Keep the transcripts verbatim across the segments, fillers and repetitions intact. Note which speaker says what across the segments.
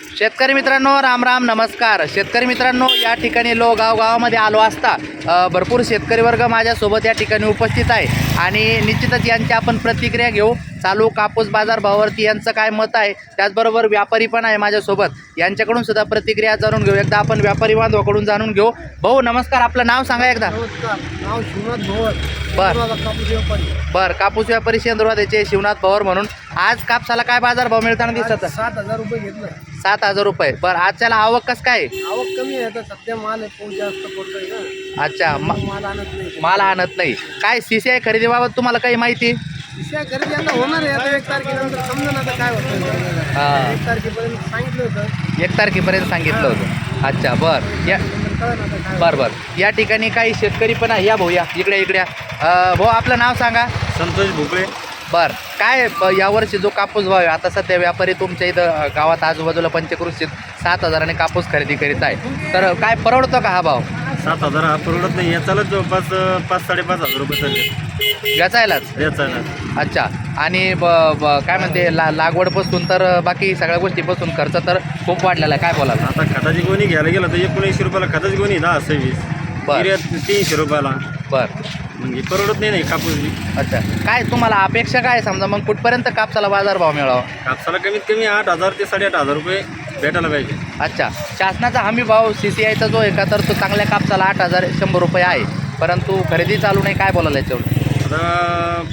Speaker 1: शेतकरी मित्रांनो, राम राम नमस्कार. शेतकरी मित्रांनो, या ठिकाणी लो गाव गावामध्ये आलो असता अ, भरपूर शेतकरी वर्ग माझ्यासोबत या ठिकाणी उपस्थित आहे आणि निश्चितच यांची आपण प्रतिक्रिया घेऊ. चालू कापूस बाजार भावावरती यांचं काय मत आहे, त्याचबरोबर व्यापारी पण आहे माझ्यासोबत, यांच्याकडून सुद्धा प्रतिक्रिया जाणून घेऊ. एकदा आपण व्यापारी बांधवाकडून जाणून घेऊ. भाऊ नमस्कार, आपलं नाव सांगा एकदा.
Speaker 2: नमस्कार, नाव शिवनाथ भोवर.
Speaker 1: बर
Speaker 2: कापूस व्यापारी.
Speaker 1: बर कापूस व्यापारी शेंद्रवाद्याचे शिवनाथ पवार म्हणून आज कापसाला काय बाजार भाव मिळताना दिसत?
Speaker 2: सात हजार रुपये घेतलं.
Speaker 1: सात हजार रुपये. बरं, आजच्याला आवक कसं काय?
Speaker 2: आवक कमी आहे आता सध्या, माल आहे पाऊस जास्त पडतोय ना.
Speaker 1: अच्छा, म-
Speaker 2: माल आणत नाही.
Speaker 1: माल आणत नाही. काय सी सी आय खरेदीबाबत तुम्हाला काही माहिती?
Speaker 2: विषय खरेदी आता होणार आहे. आता एक तारखेनंतर समजा आता काय होतं.
Speaker 1: हा.
Speaker 2: एक तारखेपर्यंत सांगितलं होतं.
Speaker 1: एक तारखेपर्यंत सांगितलं होतं. अच्छा, बरं. या
Speaker 2: नंतर कळलं आता काय.
Speaker 1: बरं बरं या ठिकाणी काही शेतकरी पण आहे. या भाऊ, या इकडे इकडे या. अं, भाऊ आपलं नाव सांगा.
Speaker 2: संतोष भोपळे.
Speaker 1: बरं, काय ब- यावर्षी जो कापूस भाव आहे, आता सध्या व्यापारी तुमच्या इथं अ, गावात आजूबाजूला पंचकृषीत सात हजाराने कापूस खरेदी करीत आहे, तर काय परवडतो का हा भाव?
Speaker 3: सात हजार हा परवडत नाही. याचाच जवळपास अं, पाच साडेपाच हजार रुपये चालले
Speaker 1: याचायलाच.
Speaker 3: याचा.
Speaker 1: अच्छा, आणि ब ब- काय म्हणते ला लागवडपासून तर बाकी सगळ्या गोष्टीपासून खर्च तर खूप वाढलेला आहे. काय बोलाल?
Speaker 3: आता खताची गोणी घ्यायला गेलं तर एकोणऐंशी रुपयाला खताची गोणी दहा सव्वीस,
Speaker 1: बरं.
Speaker 3: युरिया तीनशे रुपयाला.
Speaker 1: बरं.
Speaker 3: म्हणजे परवडत नाही नाही कापूस बी.
Speaker 1: अच्छा, काय तुम्हाला अपेक्षा काय समजा मग कुठपर्यंत कापसाला बाजारभाव मिळावा?
Speaker 3: कापसाला कमीत कमी आठ हजार ते साडेआठ हजार रुपये भेटायला पाहिजे.
Speaker 1: अच्छा, शासनाचा हमी भाव सी सी आयचा जो आहे का, तर तो चांगल्या कापसाला आठ हजार शंभर रुपये आहे, परंतु खरेदी चालू नाही. काय बोलायला याच्यावर?
Speaker 3: आता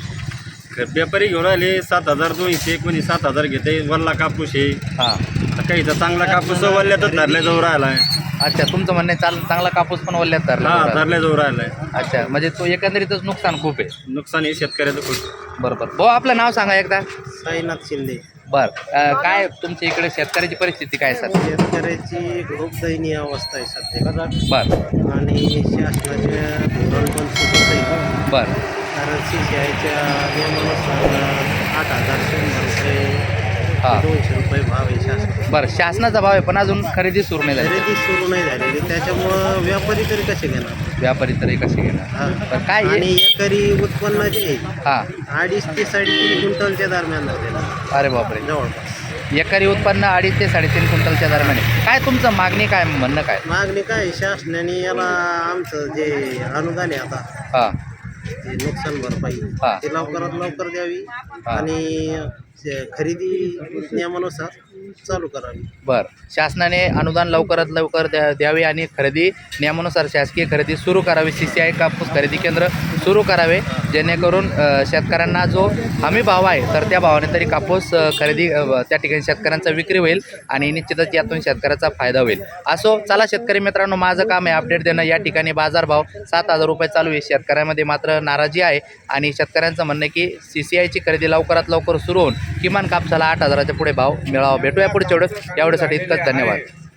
Speaker 3: ख- व्यापारी घेऊन राहिले सात हजार दोनशे, कोणी सात हजार घेते. वल्ला कापूस आहे.
Speaker 1: हां.
Speaker 3: आता काही तर चांगला कापूस वल्ल्यातच धरल्या जाऊ राहिला आहे.
Speaker 1: अच्छा, तुमचं म्हणणं आहे चाल चांगला कापूस पण वल्ल्यात धरला
Speaker 3: हा,
Speaker 1: बरं.
Speaker 3: धरल्या जाऊ राहिला आहे.
Speaker 1: अच्छा, म्हणजे तो एकंदरीतच नुकसान खूप आहे.
Speaker 3: नुकसान हे शेतकऱ्याचं खूप.
Speaker 1: बरोबर. भाऊ आपलं नाव सांगा एकदा.
Speaker 2: साईनाथ शिंदे.
Speaker 1: बरं, काय तुमच्या इकडे शेतकऱ्याची परिस्थिती काय सर?
Speaker 2: शेतकऱ्याची खूप दयनीय अवस्था आहे सध्या.
Speaker 1: बरं
Speaker 2: आणि शासनाचे धोरण पण चुकत आहे.
Speaker 1: बरं
Speaker 2: कारण सी सी आयच्या नियमानुसार आठ हजार शंभर रुपये
Speaker 1: हां.
Speaker 2: दोनशे रुपये भाव आहे शासन.
Speaker 1: बरं, शासनाचा भाव आहे पण अजून खरेदी सुरू नाही झाली.
Speaker 2: खरेदी सुरू नाही झालेली, त्याच्यामुळं व्यापारी तरी कसे घेणार?
Speaker 1: व्यापारी तरी कसे घेणार?
Speaker 2: हा.
Speaker 1: बरं, काय आहे?
Speaker 2: आणि एकरी उत्पन्न जे आहे,
Speaker 1: हां.
Speaker 2: अडीच ते साडेतीन क्विंटलच्या दरम्यान झालेलं
Speaker 1: अरे बापरे.
Speaker 2: जवळपास.
Speaker 1: एकरी उत्पन्न अडीच ते साडेतीन क्विंटलच्या दरम्यान आहे. काय तुमचं मागणी काय, म्हणणं काय?
Speaker 2: मागणी काय आहे? शासनाने याला आमचं जे अनुदान आहे आता,
Speaker 1: हां
Speaker 2: ते नुकसान भरपाई,
Speaker 1: हा.
Speaker 2: ते लवकरात लवकर द्यावी
Speaker 1: हा.
Speaker 2: आणि ते खरेदी नियमानुसार चालू करावी.
Speaker 1: बरं, शासनाने अनुदान लवकरात लवकर द्या द्यावे आणि खरेदी नियमानुसार शासकीय खरेदी सुरू करावी. सी सी आय कापूस खरेदी केंद्र सुरू करावे, जेणेकरून अ, शेतकऱ्यांना जो हमी भाव आहे तर त्या भावाने तरी कापूस अ, खरेदी अ, त्या ठिकाणी शेतकऱ्यांचा विक्री होईल आणि निश्चितच यातून शेतकऱ्याचा फायदा होईल. असो, चला शेतकरी मित्रांनो, माझं काम आहे अपडेट देणं. या ठिकाणी बाजारभाव सात हजार रुपये चालू आहे. शेतकऱ्यांमध्ये मात्र नाराजी आहे आणि शेतकऱ्यांचं म्हणणं आहे की सी सी आयची खरेदी लवकरात लवकर सुरू होऊन किमान कापसाला आठ हजाराच्या पुढे भाव मिळावा. भेटूया पुढच्या वेळेस. यावेळेसाठी इतकंच. धन्यवाद.